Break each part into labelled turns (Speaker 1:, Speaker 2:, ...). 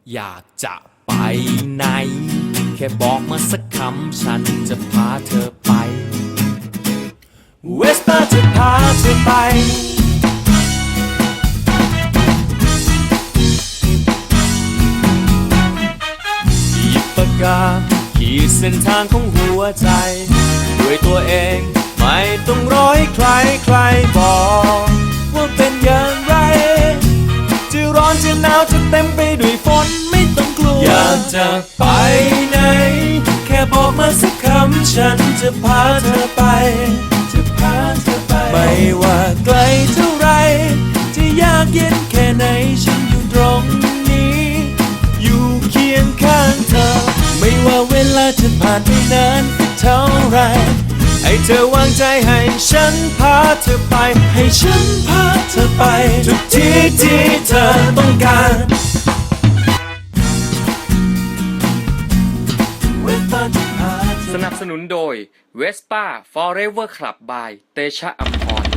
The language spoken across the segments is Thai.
Speaker 1: อยากจะไปไหนแค่บอกมาสักคำฉันจะพาเธอไปเวสป้าจะพาเธอไปหยิบปากกาขีดเส้นทางของหัวใจด้วยตัวเองไม่ต้องรอให้ใครบอกว่าเป็นอย่างไรจะร้อนจะหนาวจะเต็มไปด้วยฝนไม่ต้องกลัวอยากจะไปไหนแค่บอกมาสักคำฉันจะพาเธอไปไม่ว่าไกลเท่าไรจะยากเย็นแค่ไหนฉันอยู่ตรงนี้อยู่เคียงข้างเธอไม่ว่าเวลาจะผ่านไปนานเท่าไรให้เธอวางใจให้ฉันพาเธอไปให้ฉันพาเธอไปทุกที่ที่เธอต้องการสนับสนุนโดย Vespa Forever Club by เตชะอัมพร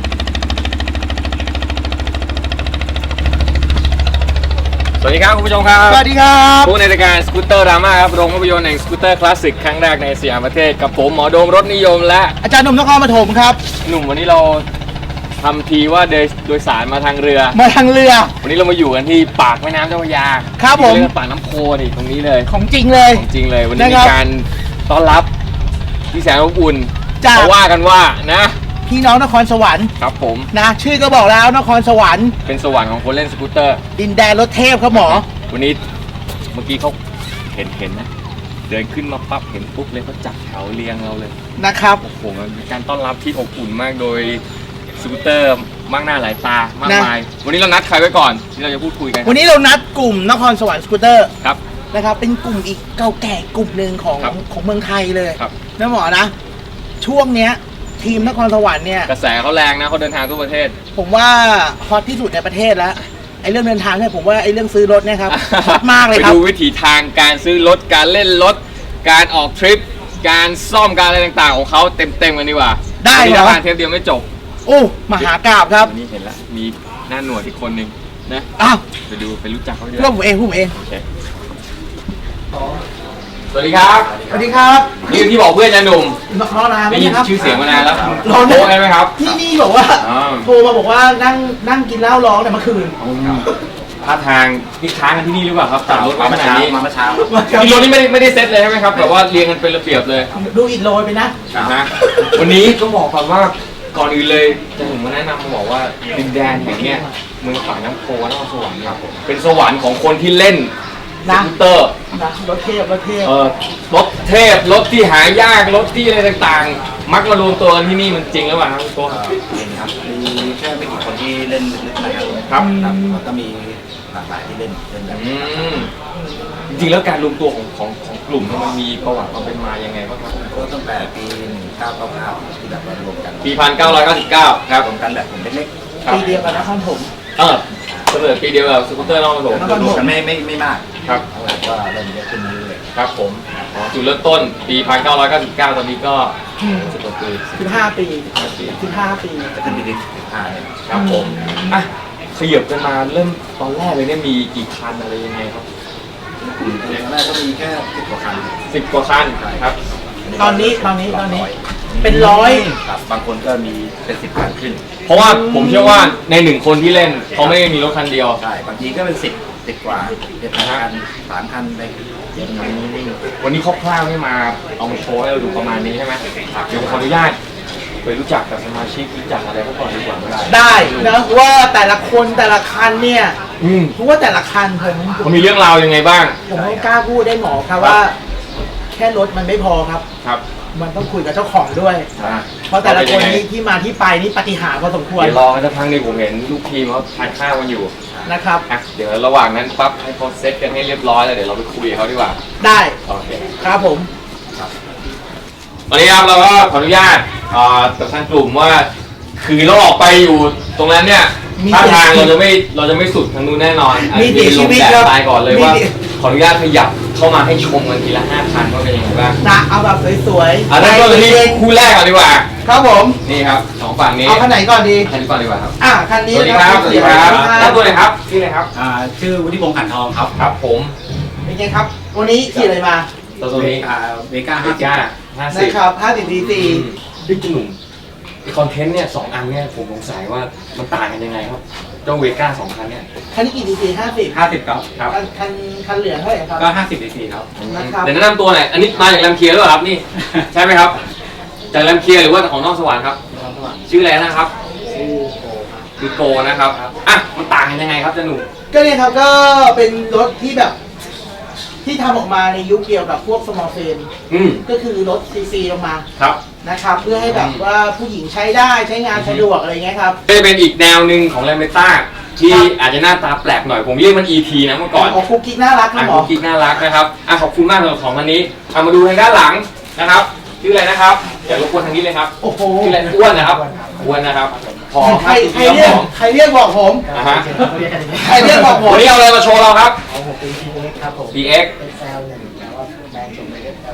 Speaker 1: สวัสดีครับคุณผู้ชมครับ
Speaker 2: สวัสดีครับ
Speaker 1: ผู้ในรายการสกูตเตอร์ดราม่าครับโรงภาพยนตร์แห่งสกูตเตอร์คลาสสิกครั้งแรกในสยามประเทศกับผมหมอโดมรถนิยมและ
Speaker 2: อาจารย์หนุ่มนครปฐมครับ
Speaker 1: หนุ่มวันนี้เราทำทีว่าโดยสารมาทางเรือวันนี้เรามาอยู่กันที่ปากแม่น้ำเจ้าพระยา
Speaker 2: ครับผม
Speaker 1: เรียกว่าปากน้ำโพนี่ตรงนี้เลย
Speaker 2: ของจริงเลย
Speaker 1: วันนี้มีการต้อนรับที่แสนอบอุ่นเขาว่ากันว่านะ
Speaker 2: พี่น้องนครสวรรค์
Speaker 1: ครับผม
Speaker 2: นะชื่อก็บอกแล้วนครสวรรค์
Speaker 1: เป็นสวรรค์ของคนเล่นสกูตเตอร์
Speaker 2: ดินแดนรถเทพครับหมอ
Speaker 1: วันนี้เมื่อกี้เขาเห็นนะเดินขึ้นมาปั๊บเห็นปุ๊บเลยเขาจับแถวเรียงเราเลย
Speaker 2: นะครับ
Speaker 1: โอ้โหมันเป็นการต้อนรับที่อบอุ่นมากโดยสกูตเตอร์มากหน้าหลายตามากมายวันนี้เรานัดใครไว้ก่อนที่เราจะพูดคุยกัน
Speaker 2: วันนี้เรานัดกลุ่มนครสวรรค์สกูตเตอร์
Speaker 1: ครับ
Speaker 2: นะครับเป็นกลุ่มอีกเก่าแก่กลุ่มหนึ่งของเมืองไทยเลยนะหมอนะช่วงเนี้ยทีมนครสวรรค์เนี่ย
Speaker 1: กระแสเขาแรงนะเขาเดินทางทั่วประเทศ
Speaker 2: ผมว่าฮอตที่สุดในประเทศแล้วไอ้เรื่องเดินทางเนี่ยผมว่าไอ้เรื่องซื้อรถเนี่ยครับฮอตมากเลยครับ
Speaker 1: ไปดูวิถีทางการซื้อรถการเล่นรถการออกทริปการซ่อมการอะไรต่างๆของเขาเต็มกันดีกว่า
Speaker 2: ได้เหรอ
Speaker 1: เทปเดียวไม่จบ
Speaker 2: โอ้มหากาพย์ครับ
Speaker 1: นี่เห็นละมีหน้าหนวดอีกคนนึงนะ
Speaker 2: อ้าว
Speaker 1: ไปรู้จักเขาด้วย
Speaker 2: ผมเอง
Speaker 1: สวัสดีครับ
Speaker 2: สวัสดีครับ
Speaker 1: นี่ที่บอกเพื่อนจะหนุ่ม
Speaker 2: รอนาน
Speaker 1: ได้ยินชื่อเสียงมานานแล้ว
Speaker 2: รอ
Speaker 1: โทรได้ไหมครับ
Speaker 2: นี่บอกว่าโทรมาบอกว่านั่งกินเหล้าร้องแต่เมื่อคืน
Speaker 1: ท่าทางที่ค้างกันที่นี่หรือเปล่าครับตัดรถมาขนาดนี้
Speaker 3: มาเช้า
Speaker 1: ที่รถนี่ไม่ได้เซ็ตเลยใช่ไหมครับแบบว่าเรียงกันเป็นระเบียบเลย
Speaker 2: ดูอิดโรยไปนะ
Speaker 1: วันนี้ต้องบอกก่อนว่าก่อนอื่นเลยจะถึงมาแนะนำมาบอกว่าดินแดนแห่งเนี้ยเมืองปากน้ำโพนครสวรรค์ครับเป็นสวรรค์ของคนที่เล่นสกูตเตอร์
Speaker 2: รถเทพรถ
Speaker 1: เทพรถที่หายากรถที่อะไรต่างๆมักมารวมตัวกันที่นี่มันจริงหรือเปล่าครับตัว
Speaker 3: จริงครับมีแค่ไม่กี่คนที่เล่นลึกๆนะครับแล้วก็มีหลากหลายที่เล่นแบบ
Speaker 1: จริงๆแล้วการรวมตัวของกลุ่มมันมีประวัติความเป็นมายังไงบ้างครับ
Speaker 3: ก็ตั้งแต่ปี1999ที่แบบมารวมกัน
Speaker 1: ปี1999ครับ
Speaker 3: รวมกันแบบผมเล็ก
Speaker 2: ๆปีเดียวกันนะครับผม
Speaker 1: เสมอปีเดียวกับสกูตเตอร์นครปฐม
Speaker 3: รวมกันไม่มาก
Speaker 1: ครับ
Speaker 3: แล้วก็เริ่มเยอะขึ้นเรื่อย
Speaker 1: ๆครับผมจุดเริ่มต้นปี1999ตอนนี้ก็10 ปี
Speaker 2: 15 ปี
Speaker 3: จะขึ้นปีที่15เนี่ย
Speaker 1: ครับผมขยับกันมาเริ่มตอนแรกเลยเนี่ยมีกี่คันอะไรยังไงครับ
Speaker 3: ตอนแรกก็มีแค่10 กว่าคัน
Speaker 1: ครับ
Speaker 2: ตอนนี้เป็น100
Speaker 3: ครับบางคนก็มีเป็น10 คันขึ้น
Speaker 1: เพราะว่าผมเชื่อว่าใน1 คนที่เล่นเขาไม่ได้มีรถคันเดียว
Speaker 3: ใช่บางทีก็เป็น10 กว่า7 คัน3 คันไป
Speaker 1: วันนี้คร่าวๆให้มาเอามาโชว์ให้เราดูประมาณนี้ใช่ไหมเดี๋ยวขออนุญาตไปรู้จักกับสมาชิกรู้จักอะไรพวกก่อนดีกว่า
Speaker 2: ได้นะว่าแต่ละคนแต่ละคันเนี่ยเพราะว่าแต่ละคัน
Speaker 1: ผมมีเรื่องราวยังไงบ้าง
Speaker 2: ผมไม่กล้าพูดได้หมอครับว่าแค่รถมันไม่พอครับมันต้องคุยกับเจ้าของด้วยเพราะแต่ละคนนี้ที่มาที่ไปนี่ปาฏิหาริย์พอสมควร
Speaker 1: เดี๋ยวรอกันสักพักนึงผมเห็นลูกทีมเขาทานข้าวกันอยู่
Speaker 2: นะครับ
Speaker 1: เดี๋ยวระหว่างนั้นปั๊บให้เขาเซตกันให้เรียบร้อยแล้วเดี๋ยวเราไปคุยกับเขาดีกว่า
Speaker 2: ได้
Speaker 1: โอเค
Speaker 2: ครับผม
Speaker 1: วันนี้ครับเราก็ขออนุญาตกับทางกลุ่มว่าคือเราออกไปอยู่ตรงนั้นเนี่ยท่าทางเราจะไม่สุดทางนู้นแน่นอน
Speaker 2: มี
Speaker 1: ลงแบบตายก่อนเลยว่าขออนุญาตขยับเข้ามาให้ชมกันทีละ5 คันว่าเป็นยังไงบ้าง
Speaker 2: เอาแบบสวย
Speaker 1: ๆเริ่มต้นที่คู่แรกก่อนดีกว่า
Speaker 2: ครับผม
Speaker 1: นี่ครับ2 ฝั่งนี้
Speaker 2: เอาคันไหนก่อนดี
Speaker 1: คันนี้ก่อนดีกว่าครับ
Speaker 2: คันนี้
Speaker 1: สวัสดีครับตั้งตัวเลยครับชื่ออะไรครับ
Speaker 3: ชื่อวุฒิพงษ์ขันทอง
Speaker 1: ครับผม
Speaker 2: เป็นไงครับ วันนี้ขี่อะไรมา
Speaker 1: ตัวนี้
Speaker 3: เมกา
Speaker 1: เมกา50
Speaker 2: นะครับ50 cc
Speaker 1: พี่จุ่มไอคอนเทนต์เนี่ย2 อันเนี่ยผมสงสัยว่ามันต่างกันยังไงครับเจ้าเวก้า2 คันเนี่ย
Speaker 2: คันนี้กี่ cc 50
Speaker 3: 50ครับครับ
Speaker 2: คันเหลืองเท่าไหร่ครับ
Speaker 3: ก็50 cc ครับ
Speaker 2: นะครับ
Speaker 1: เดี๋ยวแนะนำตัวหน่อยอันนี้มาจากแรมเคียร์หรือเปล่าครับนี่ ใช่ไหมครับจากแรมเคียร์หรือว่าของนอกสวรรค์ครับ ชื่ออะไรนะครับ คือโกนะครับอ่ะมันต่างกันยังไงครับเจ้าหนุ่ม
Speaker 2: ก็เนี่ยครับก็เป็นรถที่แบบที่ทำออกมาในยุคเดียวกับพวก small frame ก็คือรถ cc ลงมา
Speaker 1: ครับ
Speaker 2: นะครับเพื่อให้แบบว่าผู้หญิงใช้ได้ใช้งานสะดวกอะไรเงี้ยครับ
Speaker 1: ก็จะเป็นอีกแนวหนึ่งของแรมเบต้าที่อาจจะหน้าตาแปลกหน่อยผมเรียกมัน ET นะเมื่อก่อน
Speaker 2: ของคุกกิ๊กน่ารักครับหมอ
Speaker 1: กุ๊กกิ๊กน่ารักนะครับขอบคุณมากสำหรับของวันนี้เอามาดูทางด้านหลังนะครับชื่ออะไรนะครับอย่ารบกวนทางนี้เลยครับ
Speaker 2: โอ้โห
Speaker 1: ชื่ออะไรอ้วนนะครับอ้วนนะครับพอ
Speaker 2: ใครเรียกบอกผม
Speaker 1: นะฮะ
Speaker 2: ใครเรียกบอกผม
Speaker 1: วันนี้เอาอะไรมาโชว์เราครับ
Speaker 2: ของผมเป็น PX ครับผม
Speaker 1: PX
Speaker 2: เป็นแซล1แล้วว่าแบรนด์ส่งไปเป็นแซล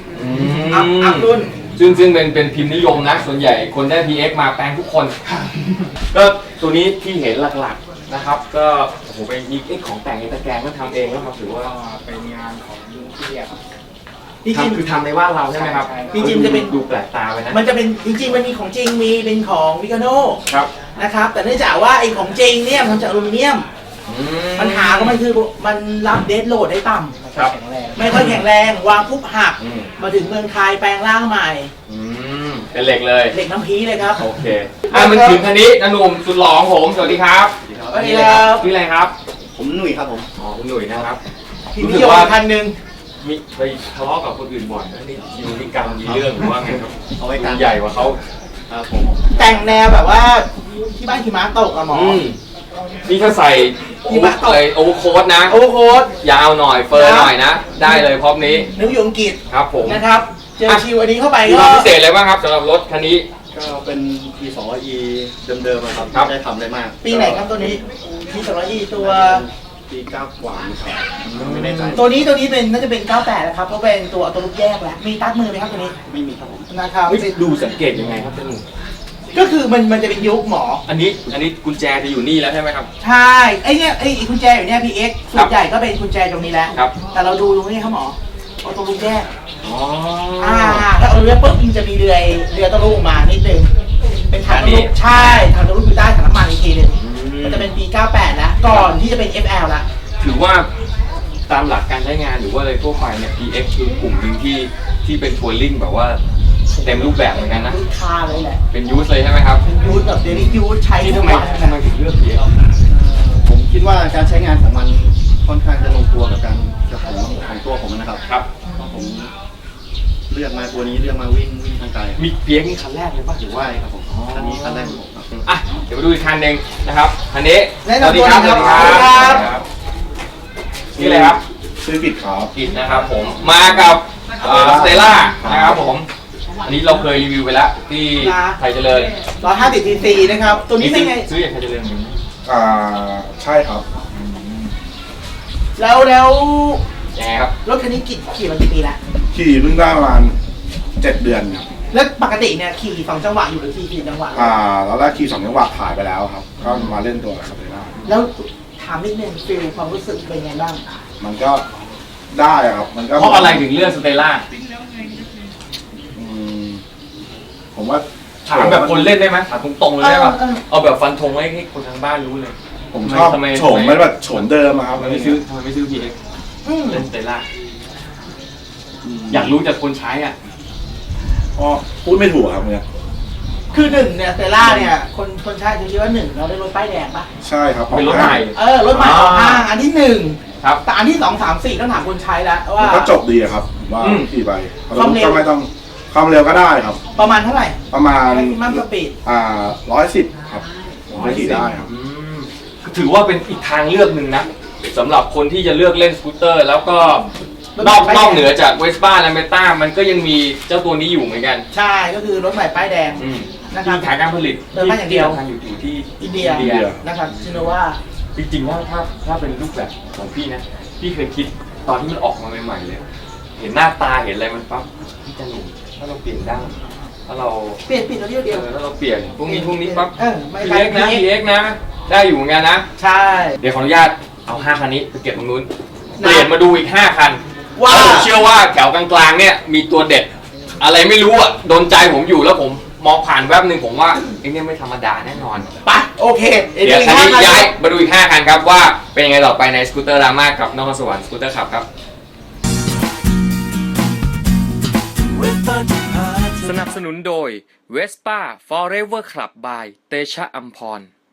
Speaker 2: 2
Speaker 1: อั
Speaker 2: อัพรุ่น
Speaker 1: ซึ่งเป็นพิมพ์นิยมนะส่วนใหญ่คนได้ PX มาแปลงทุกคน ก็ตัวนี้ที่เห็นหลักๆนะครับ ก็โอ้โหเป็นมีของแต่งตะแกรงก็ทำเองแล้วมาถือว่า
Speaker 2: เป็นงานของลุงเทียบ
Speaker 1: จริงๆคือทำในบ้านเราใช่ไหมครับ
Speaker 2: จริงๆจะเป็น
Speaker 1: ดูแปลกตาไปนะ
Speaker 2: มันจะเป็นจริงๆมันมีของจริงมีเป็นของวิกาโน
Speaker 1: ครับ
Speaker 2: นะครับแต่เนื่องจากว่าไอ้ของจริงเนี่ยมันทำจากอลูมิเนียมปัญหาของมันคือมันรับเดดโหลดได้ต่ำ
Speaker 1: ครับ
Speaker 2: ไม่ค่อยแข็งแรงวางปุ๊บหัก
Speaker 1: อืม
Speaker 2: มาถึงเมืองไทยแปลงร่างใหม่
Speaker 1: เป็นเหล็กเลย
Speaker 2: เหล็กน้ำพีเลยครับ
Speaker 1: โอเคมันถึงคันนี้นะหนุ่มสุดหล่อของผมสวัสดีครับ
Speaker 2: สวัสดีครับ
Speaker 1: ชื่ออะไรครับ
Speaker 3: ผมหนุ่ยครับผม
Speaker 1: อ๋อคุณหนุ่ยนะครับ
Speaker 2: พี่นิยมคันหนึ่ง
Speaker 1: มีไปทะเลาะกับคนอื่นบ่อยนะนี่อยู่ในกรรมมีเรื่องหรือว่าไงครับ
Speaker 3: เอาไว้กลาง
Speaker 1: ใหญ่กว่าเขา
Speaker 3: ครับผม
Speaker 2: แต่งแนวแบบว่าที่บ้านหิมะตกอะหมอ
Speaker 1: นี่ถ้าใส่โอเวอร์โค้ดนะ
Speaker 2: โอเวอร์โค้ด
Speaker 1: ยาวหน่อยเฟิร์หน่อยนะ ได้เลยพร้อมนี้
Speaker 2: นึกอยู่อังกฤษ
Speaker 1: ครับผม
Speaker 2: นะครับ เจอชิวอันนี้เข้าไป
Speaker 1: มีค
Speaker 2: ก็
Speaker 1: วามพิเศษอะไรบ้างครับสำหรับรถคันนี้
Speaker 3: ก็เป็น P2E เดิมๆอะครับ
Speaker 1: ครับ
Speaker 3: ไม่ได้ทำอะไรมาก
Speaker 2: ปีไหนครับตัวนี้มี200 ตัว
Speaker 3: ปี9กว่าครับไม่แน่ใจ
Speaker 2: ตัวนี้เป็นน่าจะเป็น 98นะครับเพราะเป็นตัวตัวลูกแยกแหละมีตัดมือไหมครับตัวนี้
Speaker 3: ไม่มีครับผม
Speaker 2: นะครับ
Speaker 1: ดูสังเกตยังไงครับเจ้าหนุ่ม
Speaker 2: ก็คือมันจะเป็นยุคหมอ
Speaker 1: อันนี้กุญแจจะอยู่นี่แล้วใช่ไหมครับ
Speaker 2: ใช่ไอ้เนี่ยไอ้กุญแจอยู่เนี่ย PX ส่วนใหญ่ก็เป็นกุญแจตรงนี้แหละ
Speaker 1: ครับ
Speaker 2: แต่เราดูตรงนี้ครับหมอเอาตัวลูกแยก
Speaker 1: อ๋อ
Speaker 2: ถ้าเอาเรือปุ๊บมันจะมีเรือตัวลูกมานิดนึงเป็นถังตัวลูกใช่ถังตัวลูกอยู่ใต้ถังน้ำมันอีกทีหนึงมันจะเป็นปี 98 แล้วก่อนที่จะเป็น FL ละ
Speaker 1: ถือว่าตามหลักการใช้งานหรือว่าอะไรทั่วไปเนี่ย PX คือกลุ่มหนึ่งที่เป็นทัวริงแบบว่าเต็มรูปแบบเหมือนกันนะ
Speaker 2: ลูกค้าเลยแหละ
Speaker 1: เป็นยูสเลยใช่ไหมครับ
Speaker 2: เป็นยูทแบบเดลี่ยูทใช้
Speaker 1: นี่
Speaker 2: ทุ
Speaker 1: ทำ
Speaker 2: ก
Speaker 1: ไม
Speaker 2: วัน
Speaker 1: ทำไมถึงเลือก PX
Speaker 3: ผมคิดว่าการใช้งานของมันค่อนข้างจะลงตัวกับการของตัวผมนะครับ
Speaker 1: ครับ
Speaker 3: เพราะผมเลือกมาตัวนี้เลือกมาวิ่งทางไกล
Speaker 1: มี PX นี่คันแรกเลยป่ะ
Speaker 3: ถือว่าครับผมอันนี้คันแรกของผมครับ
Speaker 1: อ่ะเดี๋ยวมาดูอีกคันหนึ่งนะครับคันนี้
Speaker 2: แนะนำตัวหน่อยครับ
Speaker 1: สวัสดีครับนี่อะไรครับ
Speaker 3: ซื้อกิจครับ
Speaker 1: กิจนะครับผมมากับสเตล่านะครับผมอันนี้เราเคยรีวิวไปแล้วที่ไทยเจริญ
Speaker 2: 150 cc นะครับตัวนี้เป็นไง
Speaker 1: ซื้อจากไทยเจริญไหม
Speaker 3: ใช่ครับ
Speaker 2: แล้ว
Speaker 1: ยังไงครับ
Speaker 2: รถคันนี้ขี่มากี่ปีแล้ว
Speaker 4: ขี่เพิ่งได้ประมาณ7 เดือนครับ
Speaker 2: แล้วปกติเนี่ยขี่2จังหวะอยู่หรือขี่4จังหวะ
Speaker 4: แล้วแรกขี่2 จังหวะถ่ายไปแล้วครับ ก็มาเล่นตัวครับเลยได้
Speaker 2: แล้วถามนิดนึงฟิลความรู้สึกเป็นไงบ้าง
Speaker 4: มันก็ได้อะครับ มันก็
Speaker 1: เพราะอะไรถึงเลือกสเตล่า
Speaker 4: อืมผมว่า
Speaker 1: ถามแบบคนเล่นได้ไหมถามตรงๆเลยได้ป่ะ
Speaker 2: เออ
Speaker 1: เอาแบบฟันธงไว้ให้คนทางบ้านรู้เลย
Speaker 4: ผมชอบ
Speaker 1: ทำไม
Speaker 4: โฉมมันแบบโฉมเดิมอะครับ
Speaker 1: ทำไมไม่ซื้อPX เล่นสเตล่าอยากรู้จากคนใช้อ่ะ
Speaker 4: ก็พูดไม่ถูกครับเนี่ย
Speaker 2: คือหนึ่งเนี่ยเซล่าเนี่ยคนใช้จะคิดว่าหนึ่งเราได้รถป้ายแดงปะ
Speaker 4: ใช่ครับ
Speaker 1: เป็นรถใหม่
Speaker 2: รถใหม่ออกห้างอันที่หนึ่ง
Speaker 1: ครับ
Speaker 2: แต่อันที่2 3 4ต้องถามคนใช้แล้ว
Speaker 4: มั
Speaker 2: ว่าน
Speaker 4: ก็จบดีอะครับผมว่า
Speaker 1: อืม
Speaker 4: ขี่ไป
Speaker 2: ความเร็ว
Speaker 4: ก็ไม่ต้องความเร็วก็ได้ครับ
Speaker 2: ประมาณเท่าไหร่
Speaker 4: ประมาณ
Speaker 2: แม็กซิมัมสปีด
Speaker 4: 110ครับผมว่าขี่ได้ครับ
Speaker 1: อืมถือว่าเป็นอีกทางเลือกหนึ่งนะสำหรับคนที่จะเลือกเล่นสกูตเตอร์ แล้วก็นอกเหนือจากเวสป้าและเมต้ามันก็ยังมีเจ้าตัวนี้อยู่เหมือนกัน
Speaker 2: ใช่ก็คือรถใหม่ป้ายแดง นะครับ
Speaker 1: ที่ฐานการผลิต
Speaker 2: เดินมาอย่างเดียว
Speaker 1: ที่ทำอยู่ที่
Speaker 2: อินเดียนะครับชิโนวา
Speaker 1: จริงๆถ้าเป็นรูปแบบของพี่นะพี่เคยคิดตอนที่มันออกมาใหม่ๆเลย เห็นหน้าตาเห็นอะไรมันปั๊บพี่จะหนุ่มถ้าเราเปลี่ยนได้ถ้าเรา
Speaker 2: เปลี่ยนตัวเดียว
Speaker 1: ถ้าเราเปลี่ยนพวกนี้ปั๊บ
Speaker 2: ไม่
Speaker 1: PX นะ PX นะ ได้อยู่เหมือนกันนะ
Speaker 2: ใช่
Speaker 1: เดี๋ยวขออนุญาตเอา5คันนี้ไปเก็บตรงนู้น
Speaker 5: เปลี่ยนมาดูอีก5คัน
Speaker 2: ว่า
Speaker 5: แล้วผมเชื่อว่าแถวกลางๆเนี่ยมีตัวเด็ด อะไรไม่รู้อ่ะโดนใจผมอยู่แล้วผมมองผ่านแวบหนึ่งผมว่าไอ้เนี่ยไม่ธรรมดาแน่นอน
Speaker 2: ไปโอเค
Speaker 5: เดี๋ยวคันนี้ย้ายมาดูอีก5คันครับว่าเป็นยังไงต่อไปในสกูตเตอร์รามากับนครสวรรค์สกูตเตอร์ขับครับสนับสนุนโดย Vespa Forever Club by เตชะอัมพร